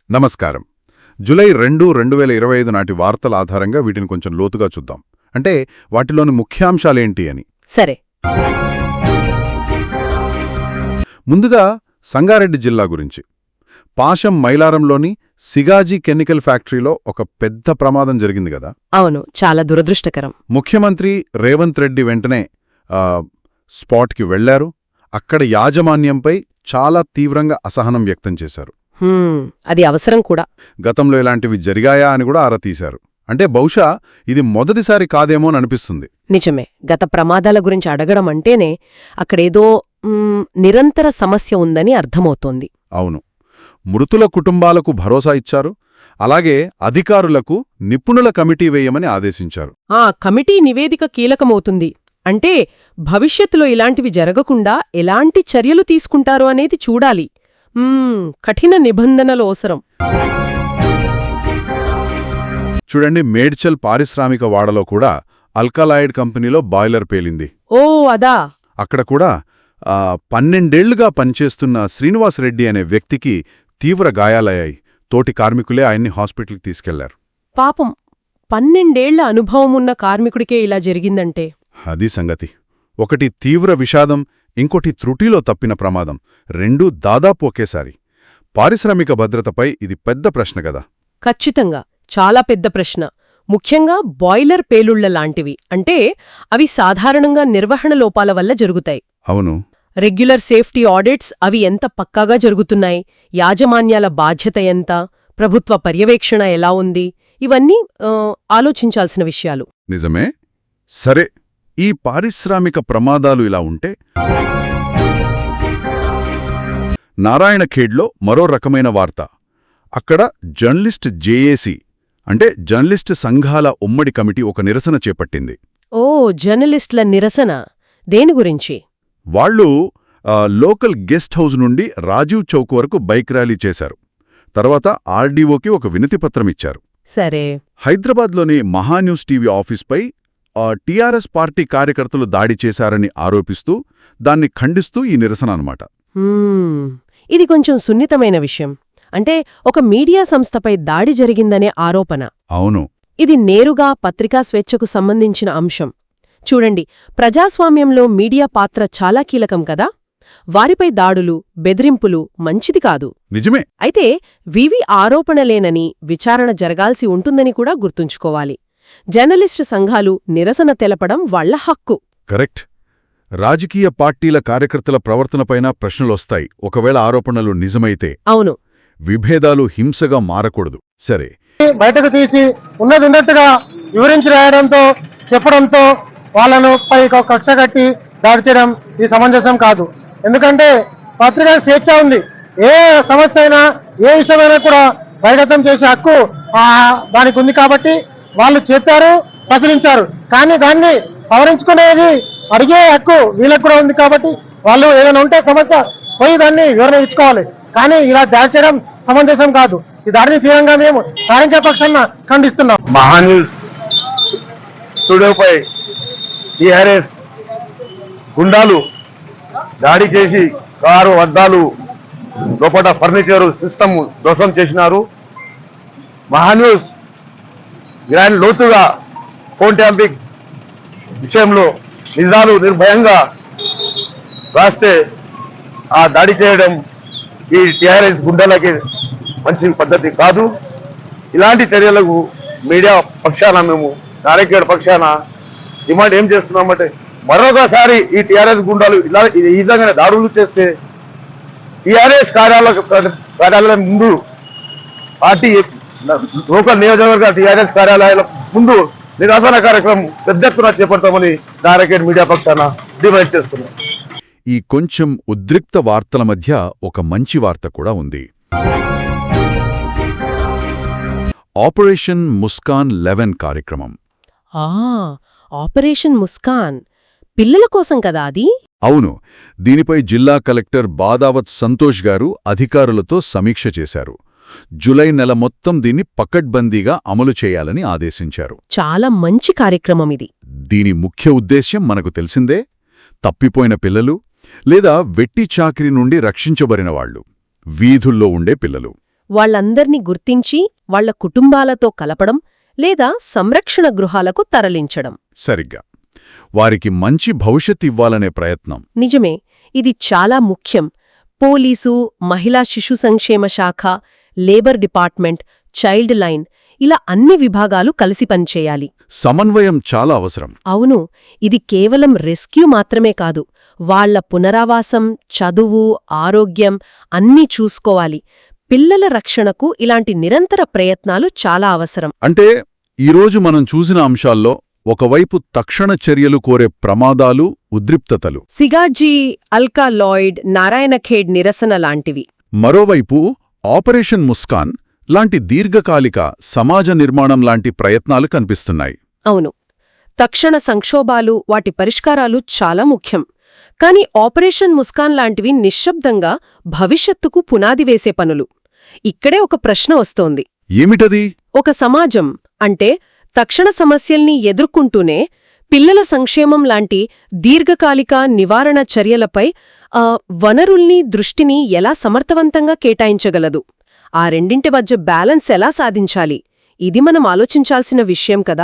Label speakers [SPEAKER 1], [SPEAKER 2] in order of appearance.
[SPEAKER 1] నమస్కారం. జూలై 2, 2025 నాటి వార్తల ఆధారంగా వీటిని కొంచెం లోతుగా చూద్దాం. అంటే వాటిలోని ముఖ్యాంశాలేంటి అని.
[SPEAKER 2] సరే.
[SPEAKER 1] ముందుగా సంగారెడ్డి జిల్లా గురించి. పాశం మైలారంలోని సిగాజీ కెమికల్ ఫ్యాక్టరీలో ఒక పెద్ద ప్రమాదం జరిగింది గదా.
[SPEAKER 2] అవును, చాలా దురదృష్టకరం.
[SPEAKER 1] ముఖ్యమంత్రి రేవంత్ రెడ్డి వెంటనే స్పాట్కి వెళ్లారు. అక్కడ యాజమాన్యంపై చాలా తీవ్రంగా అసహనం వ్యక్తం చేశారు.
[SPEAKER 2] అది అవసరం కూడా.
[SPEAKER 1] గతంలో ఇలాంటివి జరిగాయా అని కూడా ఆరా తీశారు. అంటే బహుశా ఇది మొదటిసారి కాదేమో అనిపిస్తుంది.
[SPEAKER 2] నిజమే. గత ప్రమాదాల గురించి అడగడం అంటేనే అక్కడేదో నిరంతర సమస్య ఉందని అర్థమవుతోంది.
[SPEAKER 1] అవును. మృతుల కుటుంబాలకు భరోసా ఇచ్చారు. అలాగే అధికారులకు నిపుణుల కమిటీ వేయమని ఆదేశించారు.
[SPEAKER 2] ఆ కమిటీ నివేదిక కీలకమవుతుంది. అంటే భవిష్యత్తులో ఇలాంటివి జరగకుండా ఎలాంటి చర్యలు తీసుకుంటారు అనేది చూడాలి. కఠిన నిబంధనలు అవసరం.
[SPEAKER 1] చూడండి, మేడ్చల్ పారిశ్రామిక వాడలో కూడా అల్కలాయిడ్ కంపెనీలో బాయిలర్ పేలింది.
[SPEAKER 2] ఓ అదా.
[SPEAKER 1] అక్కడ కూడా 12 ఏళ్లుగా పనిచేస్తున్న శ్రీనివాస్ రెడ్డి అనే వ్యక్తికి తీవ్ర గాయాలయ్యాయి. తోటి కార్మికులే ఆయన్ని హాస్పిటల్కి తీసుకెళ్లారు.
[SPEAKER 2] పాపం, 12 ఏళ్ల అనుభవమున్న కార్మికుడికే ఇలా జరిగిందంటే.
[SPEAKER 1] అది సంగతి. ఒకటి తీవ్ర విషాదం, ఇంకోటి త్రుటిలో తప్పిన ప్రమాదం. రెండూ దాదాపు ఒకేసారి. పారిశ్రామిక భద్రతపై ఇది పెద్ద ప్రశ్న కదా.
[SPEAKER 2] ఖచ్చితంగా చాలా పెద్ద ప్రశ్న. ముఖ్యంగా బాయిలర్ పేలుళ్ల లాంటివి. అంటే అవి సాధారణంగా నిర్వహణ లోపాల వల్ల జరుగుతాయి.
[SPEAKER 1] అవును.
[SPEAKER 2] రెగ్యులర్ సేఫ్టీ ఆడిట్స్ అవి ఎంత పక్కాగా జరుగుతున్నాయి, యాజమాన్యాల బాధ్యత ఎంత, ప్రభుత్వ పర్యవేక్షణ ఎలా ఉంది, ఇవన్నీ ఆలోచించాల్సిన విషయాలు.
[SPEAKER 1] నిజమే. సరే, ఈ పారిశ్రామిక ప్రమాదాలు ఇలా ఉంటే, నారాయణఖేడ్లో మరో రకమైన వార్త. అక్కడ జర్నలిస్ట్ జేఏసీ అంటే జర్నలిస్ట్ సంఘాల ఉమ్మడి కమిటీ ఒక నిరసన చేపట్టింది.
[SPEAKER 2] ఓ, జర్నలిస్టుల నిరసన. దేని గురించి?
[SPEAKER 1] వాళ్ళు లోకల్ గెస్ట్ హౌస్ నుండి రాజీవ్ చౌక్ వరకు బైక్ ర్యాలీ చేశారు. తర్వాత ఆర్డీఓకి ఒక వినతిపత్రమిచ్చారు.
[SPEAKER 2] సరే.
[SPEAKER 1] హైదరాబాద్లోని మహాన్యూస్ టీవీ ఆఫీస్పై టీఆర్ఎస్ పార్టీ కార్యకర్తలు దాడి చేశారని ఆరోపిస్తూ దాన్ని ఖండిస్తూ ఈ నిరసన అన్నమాట.
[SPEAKER 2] ఇది కొంచెం సున్నితమైన విషయం. అంటే ఒక మీడియా సంస్థపై దాడి జరిగిందనే ఆరోపణ.
[SPEAKER 1] అవును.
[SPEAKER 2] ఇది నేరుగా పత్రికా స్వేచ్ఛకు సంబంధించిన అంశం. చూడండి, ప్రజాస్వామ్యంలో మీడియా పాత్ర చాలా కీలకం కదా. వారిపై దాడులు, బెదిరింపులు మంచిది కాదు.
[SPEAKER 1] నిజమే.
[SPEAKER 2] అయితే వివి ఆరోపణలేనని విచారణ జరగాల్సి ఉంటుందని కూడా గుర్తుంచుకోవాలి. జర్నలిస్టు సంఘాలు నిరసన తెలపడం వాళ్ల హక్కు.
[SPEAKER 1] కరెక్ట్. రాజకీయ పార్టీల కార్యకర్తల ప్రవర్తనపైన ప్రశ్నలొస్తాయి ఒకవేళ ఆరోపణలు నిజమైతే.
[SPEAKER 2] అవును.
[SPEAKER 1] విభేదాలు హింసగా మారకూడదు. సరే,
[SPEAKER 3] బయటకు తీసి ఉన్నట్టుగా వివరించి రాయడంతో చెప్పడంతో వాళ్ళను పై కక్ష కట్టి దాడి చేయడం ఇది సమంజసం కాదు. ఎందుకంటే పత్రికా స్వేచ్ఛ ఉంది. ఏ సమస్య అయినా ఏ విషయమైనా కూడా బహిర్గతం చేసే హక్కు దానికి ఉంది. కాబట్టి వాళ్ళు చెప్పారు, ప్రచురించారు. కానీ దాన్ని సవరించుకునేది అడిగే హక్కు వీళ్ళకు కూడా ఉంది. కాబట్టి వాళ్ళు ఏదైనా ఉంటే సమస్య పోయి దాన్ని వివరణ ఇచ్చుకోవాలి. కానీ ఇలా దాడి చేయడం సమంజసం కాదు. ఈ దాడిని తీవ్రంగా మేము కార్మిక పక్షాన ఖండిస్తున్నాం.
[SPEAKER 4] మహాన్యూస్ స్టూడియోపై టీఆర్ఎస్ గుండాలు దాడి చేసి కారు అద్దాలు లోపల ఫర్నిచరు సిస్టమ్ ధ్వంసం చేసినారు. మహాన్యూస్ గ్రాండ్ లోతుగా ఫోన్ ట్యాంపింగ్ విషయంలో నిజాలు నిర్భయంగా రాస్తే ఆ దాడి చేయడం ఈ టీఆర్ఎస్ గుండాలకి మంచి పద్ధతి కాదు. ఇలాంటి చర్యలకు మీడియా పక్షాన మేము నారాయణఖేడ్ పక్షాన డిమాండ్ ఏం చేస్తున్నామంటే, మరొకసారి ఈ టీఆర్ఎస్ గుండాలు ఈ విధంగా దాడులు చేస్తే టీఆర్ఎస్ కార్యాలయం ముందు పార్టీ లోకల్ నియోజకవర్గ టీఆర్ఎస్ కార్యాలయాల ముందు నిరసన కార్యక్రమం పెద్ద ఎత్తున చేపడతామని నారాయణఖేడ్ మీడియా పక్షాన డిమాండ్ చేస్తున్నాం.
[SPEAKER 1] ఈ కొంచెం ఉద్రిక్త వార్తల మధ్య ఒక మంచి వార్త కూడా ఉంది. ఆపరేషన్ ముస్కాన్ 11 కార్యక్రమం.
[SPEAKER 2] ఆపరేషన్ ముస్కాన్ పిల్లల కోసం కదా అది?
[SPEAKER 1] అవును. దీనిపై జిల్లా కలెక్టర్ బాదావత్ సంతోష్ గారు అధికారులతో సమీక్ష చేశారు. జులై నెల మొత్తం దీన్ని పకడ్బందీగా అమలు చేయాలని ఆదేశించారు.
[SPEAKER 2] చాలా మంచి కార్యక్రమం ఇది.
[SPEAKER 1] దీని ముఖ్య ఉద్దేశ్యం మనకు తెలిసిందే. తప్పిపోయిన పిల్లలు లేదా వెట్టి చాకిరీ నుండి రక్షించబడిన వాళ్లు, వీధుల్లో ఉండే పిల్లలు.
[SPEAKER 2] వాళ్ళందర్నీ గుర్తించి వాళ్ళ కుటుంబాలతో కలపడం లేదా సంరక్షణ గృహాలకు తరలించడం.
[SPEAKER 1] సరిగ్గా. వారికి మంచి భవిష్యత్ ఇవ్వాలనే ప్రయత్నం.
[SPEAKER 2] నిజమే, ఇది చాలా ముఖ్యం. పోలీసు, మహిళా శిశు సంక్షేమ శాఖ, లేబర్ డిపార్ట్మెంట్, చైల్డ్ లైన్ ఇలా అన్ని విభాగాలు కలిసి పనిచేయాలి.
[SPEAKER 1] సమన్వయం చాలా అవసరం.
[SPEAKER 2] అవును, ఇది కేవలం రెస్క్యూ మాత్రమే కాదు, వాళ్ల పునరావాసం, చదువు, ఆరోగ్యం అన్నీ చూసుకోవాలి. పిల్లల రక్షణకు ఇలాంటి నిరంతర ప్రయత్నాలు చాలా అవసరం.
[SPEAKER 1] అంటే ఈరోజు మనం చూసిన అంశాల్లో ఒకవైపు తక్షణ చర్యలు కోరే ప్రమాదాలు, ఉద్రిక్తతలు,
[SPEAKER 2] సిగాజీ, అల్కాలాయిడ్, నారాయణఖేడ్ నిరసన లాంటివి.
[SPEAKER 1] మరోవైపు ఆపరేషన్ ముస్కాన్ లాంటి దీర్ఘకాలిక సమాజ నిర్మాణం లాంటి ప్రయత్నాలు కనిపిస్తున్నాయి.
[SPEAKER 2] అవును, తక్షణ సంక్షోభాలు, వాటి పరిష్కారాలు చాలా ముఖ్యం. కాని ఆపరేషన్ ముస్కాన్ లాంటివి నిశ్శబ్దంగా భవిష్యత్తుకు పునాది వేసే పనులు. ఇక్కడే ఒక ప్రశ్న వస్తోంది.
[SPEAKER 1] ఏమిటది?
[SPEAKER 2] ఒక సమాజం అంటే తక్షణ సమస్యల్ని ఎదుర్కొంటూనే పిల్లల సంక్షేమం లాంటి దీర్ఘకాలిక నివారణ చర్యలపై వనరుల్ని, దృష్టిని ఎలా సమర్థవంతంగా కేటాయించగలదు? ఆ రెండింటి మధ్య బ్యాలెన్స్ ఎలా సాధించాలి? ఇది మనం ఆలోచించాల్సిన విషయం కదా.